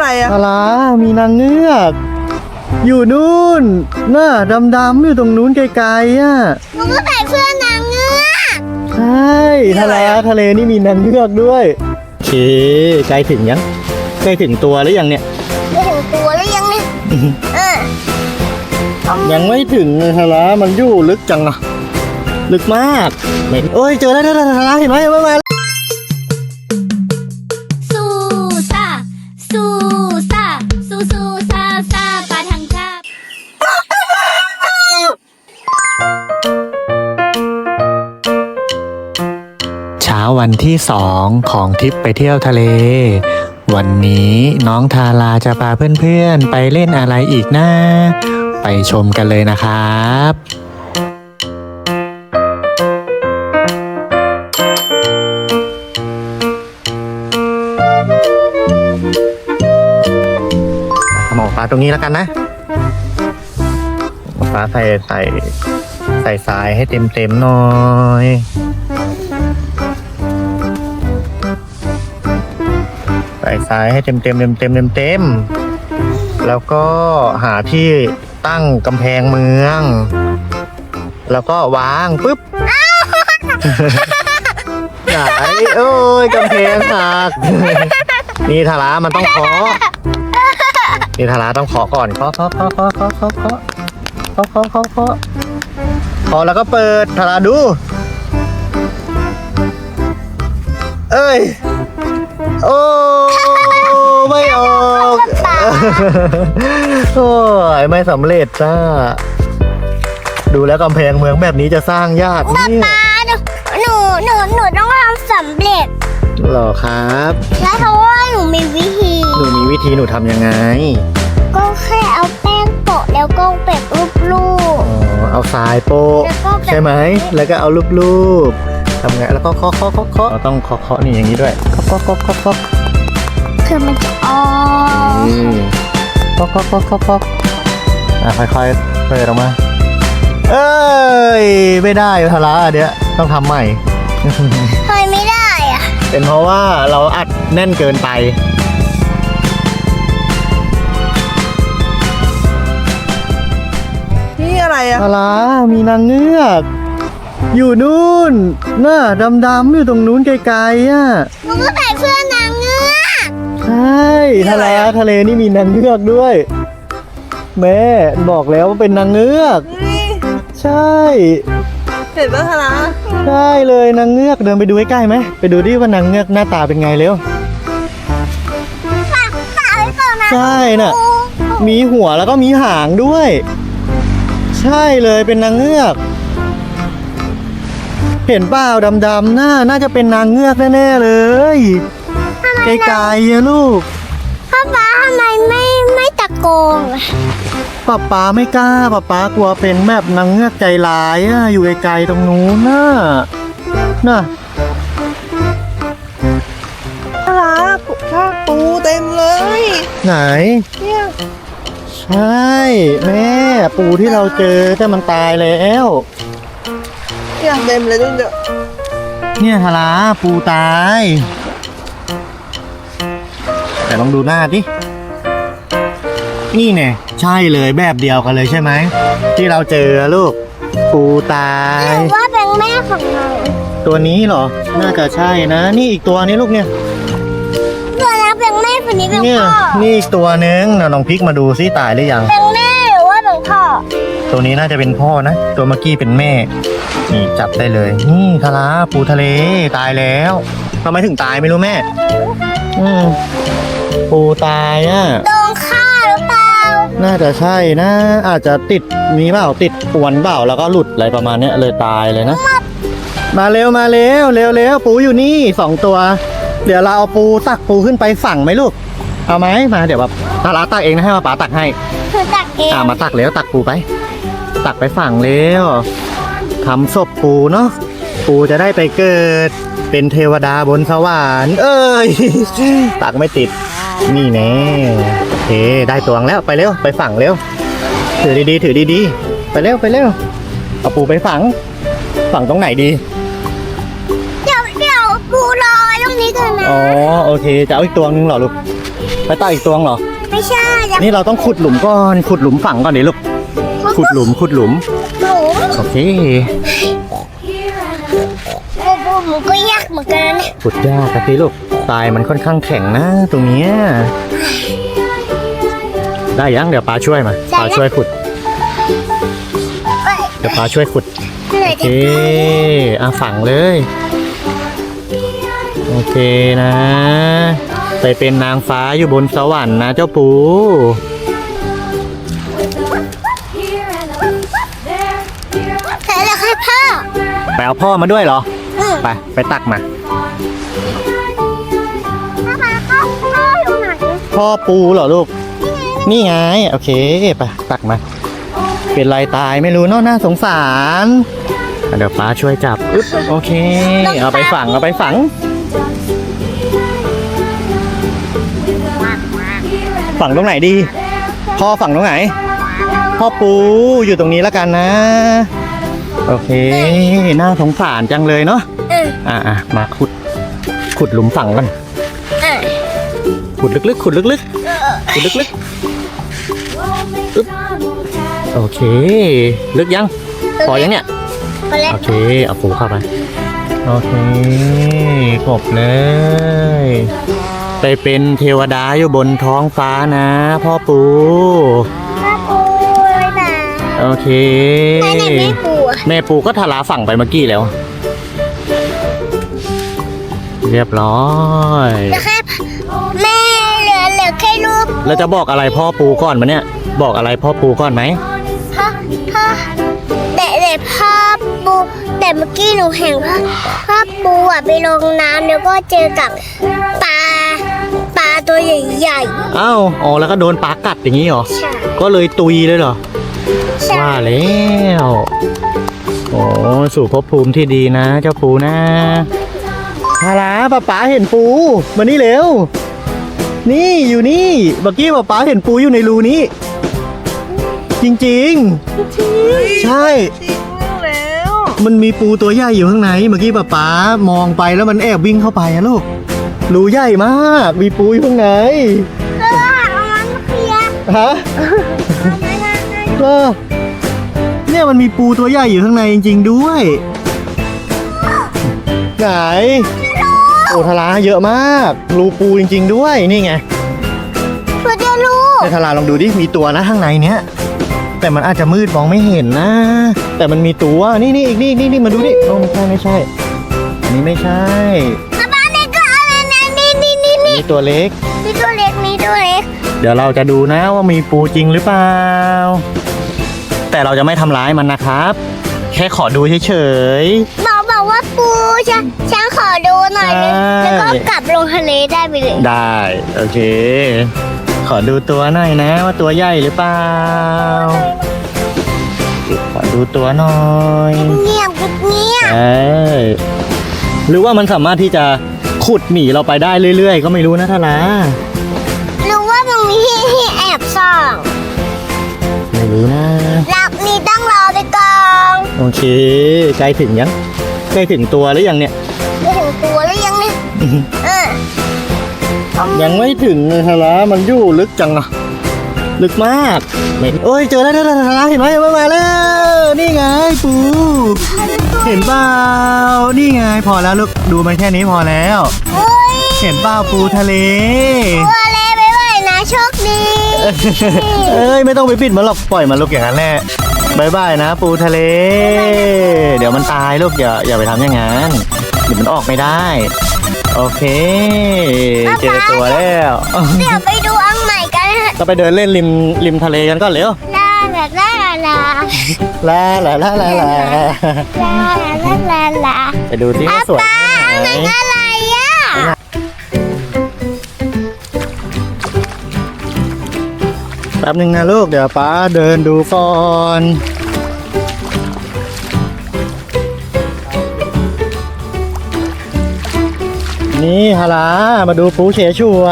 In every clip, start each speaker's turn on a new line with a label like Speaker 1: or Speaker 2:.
Speaker 1: อะไรอะ
Speaker 2: อะไรมีนางเงือกอยู่นู่นน่ะดำๆอยู่ตรงนู้นไกลๆอ่ะ
Speaker 3: หนูก็ใส่เสื้อนางเงือก
Speaker 2: ใช่ทะเลนี่มีนางเงือกด้วยโอเคใกล้ถึงยังใกล้ถึงตัวหรือยังเนี่ย
Speaker 3: จะถึงตัวแล้วยังเนี่ย
Speaker 2: ยังไม่ถึงเลยทะเลมันอยู่ลึกจังอะลึกมากไม่โอ้ยเจอแล้วทะเลเห็นไหมมา
Speaker 4: สู้ซ่าสู้ซ่าสู้สู้ซ่าซ่าปาทังชาบ
Speaker 2: เช้าวันที่2ของทริปไปเที่ยวทะเลวันนี้น้องทาราจะพาเพื่อนๆไปเล่นอะไรอีกนะไปชมกันเลยนะครับหมอปลาตรงนี้แล้วกันนะหมอปลาใส่ทรายให้เต็มหน่อยใส่ทรายให้เต็มแล้วก็หาที่ตั้งกำแพงเมืองแล้วก็วางปุ๊บไหนโอ้ยกำแพงหักนี่ทารามันต้องเคาะนี่ทาราต้องเคาะก่อนเคาะแล้วก็เปิดทาราดูเอ้ยโอ้ไม่ออกโอ้ยไม่สำเร็จจ้าดูแล้วกำแพงเมืองแบบนี้จะสร้างยากเนี่ย
Speaker 3: ป้าหนูต้องทำสำเร็จ
Speaker 2: หรอครับ
Speaker 3: แล้วเพราะว่าหนูมีวิธี
Speaker 2: หนูมีวิธีหนูทำยังไง
Speaker 3: ก็แค่เอาแป้งโปะแล้วก็แบบรูป
Speaker 2: อ๋อเอาทรายโปะ
Speaker 3: แล้วก็แบบ
Speaker 2: ใช่ไหมแล้วก็เอารูปทำไงแล้วก็เคาะเราต้องเคาะนี่อย่างนี้ด้วยเคาะ
Speaker 3: คือมันจะออก
Speaker 2: เคาะค่อยๆเปิดออกมาเอ้ยไม่ได้ทาราเดี๋ยวต้องทำใหม่
Speaker 3: ทำไมไม่ได้อะ
Speaker 2: เป็นเพราะว่าเราอัดแน่นเกินไป
Speaker 1: นี่อะไรอะ
Speaker 2: ทารามีนางเงือกอยู่นู่นน่ะดำๆอยู่ตรงนู้นไกลๆอ่ะ
Speaker 3: หนูก็ใส่เสื้อนางเงือก
Speaker 2: ใช่ทะเลนี่มีนางเงือกด้วย แม่บอกแล้วว่าเป็นนางเงือก ใช่
Speaker 1: เห็นปะทารา
Speaker 2: ใช่เลยนางเงือกเดินไปดูใกล้ๆไหมไปดูดิว่านางเงือกหน้าตาเป็นไงเร็ว
Speaker 3: ตาไม่เปิดนะ
Speaker 2: ใช่น่ะมีหัวแล้วก็มีหางด้วย ใช่เลยเป็นนางเงือก เห็นเปล่าดำๆน่าจะเป็นนางเงือกแน่ๆเลยไกลๆอะลูก
Speaker 3: พ่อป้าทำไมไม่ตะโกนอะ
Speaker 2: ป๊าไม่กล้าป๊ากลัวเป็นแบบนางเงือกใจร้ายอะอยู่ไกลๆตรงนู้นน่ะ
Speaker 1: ทาราปูเต็มเลย
Speaker 2: ไหน
Speaker 1: เนี่ย
Speaker 2: ใช่แม่ปูที่เราเจอแต่มันตายแล้ว
Speaker 1: เนี่ยเต็มเลยดูเดี๋ยว
Speaker 2: เนี่ยทาราปูตายแต่ลองดูหน้าดินี่แน่ใช่เลยแบบเดียวกันเลยใช่ไหมที่เราเจอลูกปูตาย
Speaker 3: หรือว่าเป็นแม่ของเรา
Speaker 2: ตัวนี้เหรอน่าจะใช่นะนี่อีกตัวนี้ลูกเนี่ย
Speaker 3: ตัวนั้นเป็นแม่คนนี้เป็น
Speaker 2: เนี่ย
Speaker 3: พ่อ
Speaker 2: นี่อีกตัวนึงเราลองพลิกมาดูซิตายหรือยัง
Speaker 3: เป็นแม่หรือว่าเป็นพ่อ
Speaker 2: ตัวนี้น่าจะเป็นพ่อนะตัวเมื่อกี้เป็นแม่นี่จับได้เลยนี่ทาราปูทะเลตายแล้วทำไมถึงตายไม่รู้แม่ปูตายอ่ะ
Speaker 3: โดนฆ่าหรือเปล่า
Speaker 2: น่าจะใช่นะอาจจะติดมีเปล่าติดอวนเปล่าแล้วก็หลุดอะไรประมาณเนี้ยเลยตายเลยนะมาเร็วปูอยู่นี่2ตัวเดี๋ยวเราเอาตักปูขึ้นไปฝั่งไหมลูกเอาไหมมาเดี๋ยวแบบทาราตักเองนะให้มาป๋าตักให้
Speaker 3: คือตักเอง
Speaker 2: มาตักแล้วตักปูไปตักไปฝั่งแล้วทำศพปูเนาะปูจะได้ไปเกิดเป็นเทวดาบนสวรรค์เอ้ย ตักไม่ติดนี่แน่โอเคได้ตวงแล้วไปเร็วไปฝั่งเร็วถือดีๆไปเร็วเอาปูไปฝังตรงไหนดี
Speaker 3: เดี๋ยวปูรอไว้ตรงนี้ก่อนนะ
Speaker 2: อ๋อโอเคจะเอาอีกตัวนึงเหรอลูกไปตักอีกตัวเหรอ
Speaker 3: ไม่ใช่จะ
Speaker 2: นี่เราต้องขุดหลุมก่อน ขุดหลุมฝังก่อนดิลูก ขุดหลุม ขุดหลุม
Speaker 3: หนู
Speaker 2: โอเค
Speaker 3: หมูก็ยากเหมือนกันนะ
Speaker 2: ขุดยากครับพี่ลูกทรายมันค่อนข้างแข็งนะตรงเนี้ยได้ยังเดี๋ยวป้าช่วยมาป้าช่วยขุด เดี๋ยวป้าช่วยขุด
Speaker 3: เหนื่อย
Speaker 2: โอเค
Speaker 3: จัง
Speaker 2: ฝังเลย โอเคนะ ไปเป็นนางฟ้าอยู่บนสวรรค์นะเจ้าปู
Speaker 3: แต่แล้วค่ะพ่อ
Speaker 2: ไปเอาพ่อมาด้วยเหรอ ไปตักมา
Speaker 3: พ่ออยู่ไหน
Speaker 2: พ่อปูเหรอลูก นี่ไง โอเค ไปตักมา เป็นไรตายไม่รู้เนาะน่าสงสารเดี๋ยวป้าช่วยจับอึ๊บโอเค เอาไปฝัง เอาไปฝัง ฝังตรงไหนดี พ่อฝังตรงไหน พ่อปูอยู่ตรงนี้แล้วกันนะ โอเค น่าสงสารจังเลยเนาะ มาขุดหลุมฝังกัน ขุดลึกๆ ขุดลึกๆ ขุดลึกๆ อึ๊บ โอเค ลึกยัง พอยังเนี่ย
Speaker 3: พอแล้ว
Speaker 2: โอเค เอาปูเข้าไป โอเคกบเลย ไปเป็นเทวดาอยู่บนท้องฟ้านะพ่อปู
Speaker 3: พ่อปูเลยนะ
Speaker 2: โอเค
Speaker 3: ไหนแม่ปูอะ
Speaker 2: แม่ปูก็ทลาฝั่งไปเมื่อกี้แล้ว เรียบร้อย
Speaker 3: แล้วแค่แม่เหลือแค่รูป
Speaker 2: แล้วจะบอกอะไรพ่อปูก่อนมาเนี่ย บอกอะไรพ่อปูก่อนไหม
Speaker 3: พ่อแต่พ่อปูแต่เมื่อกี้หนูเห็นพ่อปูอ่ะไปลงน้ำแล้วก็เจอกับปลาตัวใหญ่
Speaker 2: อ้าวอ๋อแล้วก็โดนปลากัดอย่างนี้เหรอ
Speaker 3: ๆใช่
Speaker 2: ก็เลยตุยเลยเหรอ
Speaker 3: ใช่
Speaker 2: ว่าแล้วโอ้สู่ภพภูมิที่ดีนะ เจ้าปูนะฮาลาป๊าเห็นปูมานี่เร็ว นี่อยู่นี่เมื่อกี้ป๊าเห็นปูอยู่ในรูนี้ จริงๆ ใช่
Speaker 1: จริงแล้ว
Speaker 2: มันมีปูตัวใหญ่อยู่ข้างในเมื่อกี้ป๊ามองไปแล้วมันแอบวิ่งเข้าไปอะลูกรูใหญ่มากมีปูอยู่ข้างใน
Speaker 3: เอามันเคลียร์
Speaker 2: ฮะเนี่ยมันมีปูตัวใหญ่อยู่ข้างในจริงๆด้วยไหนโอทาราเยอะมากรูปูจริงๆด้วยนี่ไง
Speaker 3: ตัวเดียวลูก
Speaker 2: ไอทาราลองดูดิมีตัวนะข้างในเนี้ยแต่มันอาจจะมืดมองไม่เห็นนะ แต่มันมีตัวนี่อีกนี่มาดูดิโอ้ไม่ใช่อันนี้ไม่ใช่
Speaker 3: บ้านนี้ก็อะไรนะนี่
Speaker 2: มีตัวเล็ก
Speaker 3: มีตัวเล็กมีตัวเล็ก
Speaker 2: เดี๋ยวเราจะดูนะว่ามีปูจริงหรือเปล่าแต่เราจะไม่ทำร้ายมันนะครับ แค่ขอดูเฉย
Speaker 3: บอกว่าปูฉันขอดูหน่อยนึง
Speaker 2: ใช่
Speaker 3: แล้วก็กลับลงทะเลได้ไปเลย
Speaker 2: ๆได้โอเค ขอดูตัวหน่อยนะว่าตัวใหญ่หรือเปล่าขอดูตัวหน่อย
Speaker 3: เงียบ
Speaker 2: ใช่หรือว่ามันสามารถที่จะขุดหนีเราไปได้เรื่อยๆ ก็ไม่รู้นะท่านะ
Speaker 3: หรือว่ามันมีที่แอบส่อง
Speaker 2: ไม่รู้นะ
Speaker 3: รับนี่ต้องรอไปก่อน
Speaker 2: โอเคใกล้ถึงยังใกล้ถึงตัวหรือยังเนี่ย
Speaker 3: ไปถึงตัวแล้วยังเนี่ยเออ
Speaker 2: ยังไม่ถึงเลยทาระมันอยู่ลึกจังอะลึกมากไม่โอ้ยเจอแล้วทาระเห็นไหมมาแล้วนี่ไงปูเห็นเปล่านี่ไงพอแล้วลูกดูมันแค่นี้พอแล้ว
Speaker 3: เฮ้ย
Speaker 2: เห็นเปล่าปูทะเล
Speaker 3: ตัวเล็กไปไหวนะโชคดี
Speaker 2: เอ้ยไม่ต้องไปปิดมันหรอกปล่อยมันลูกอย่างนั้นแหละบายบายนะปูทะเล เดี๋ยวมันตายลูกอย่าไปทำอย่างนั้นเดี๋ยวมันออกไม่ได้ โอเค เจอตัวแล้ว
Speaker 3: เดี๋ยวไปดูอังใหม่กัน
Speaker 2: ก็ไปเดินเล่นริมทะเลกันก็เร็ว
Speaker 3: ลาลาลาลา
Speaker 2: ลาลาลาลาลา
Speaker 3: ลา
Speaker 2: ไปดูที่ว่าสวย
Speaker 3: ป้า
Speaker 2: แค่ไหน
Speaker 3: มันอะไรอ่ะ
Speaker 2: แป๊บนึงนะลูกเดี๋ยวป้าเดินดูก่อน นี่ฮารามาดูปูเฉฉวน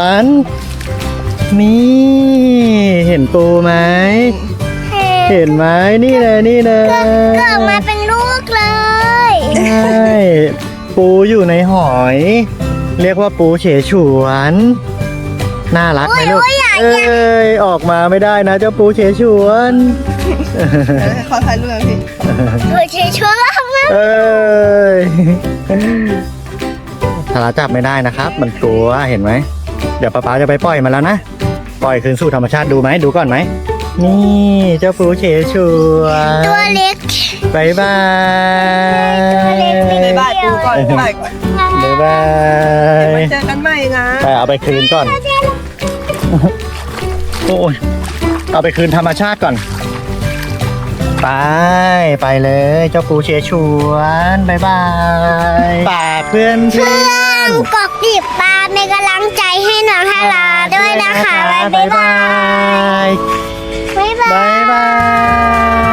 Speaker 2: นี่เห็นปูไหม เห็นไหมนี่เลย
Speaker 3: เกิดมาเป็นลูกเลย
Speaker 2: ใช่ปูอยู่ในหอย เรียกว่าปูเฉฉวนน่ารักไหมลูก
Speaker 3: โอ้ยอยาก
Speaker 2: เอ้ยออกมาไม่ได้นะเจ้าปูเฉฉวน
Speaker 1: ขอถ่ายรูปหน่อยพี่
Speaker 3: ช่วยช่วยเรามา
Speaker 2: เอ้ยทาราจับไม่ได้นะครับ มันกลัวเห็นไหมเดี๋ยวป๊าจะไปปล่อยมันแล้วนะปล่อยคืนสู่ธรรมชาติดูไหมดูก่อนไหมนี่เจ้าปูเฉฉวน
Speaker 3: ตัวเล็ก
Speaker 2: บายบาย
Speaker 1: บ๊ายบายปูก่อนบ๊ายบายก่อน
Speaker 2: บ๊ายบาย
Speaker 1: มาเจอกันใหม่นะ
Speaker 2: ไปเอาไปคืนก่อน โอ้ยเอาไปคืนธรรมชาติก่อน ไปเลยเจ้าปูเชฉวนบายบายฝากเพื่อนเพื่อน
Speaker 3: กดติดตามเป็นกำลังใจให้น้องทาราด้วยนะคะ
Speaker 2: บ๊ายบาย
Speaker 3: บ๊ายบาย
Speaker 2: บ๊ายบาย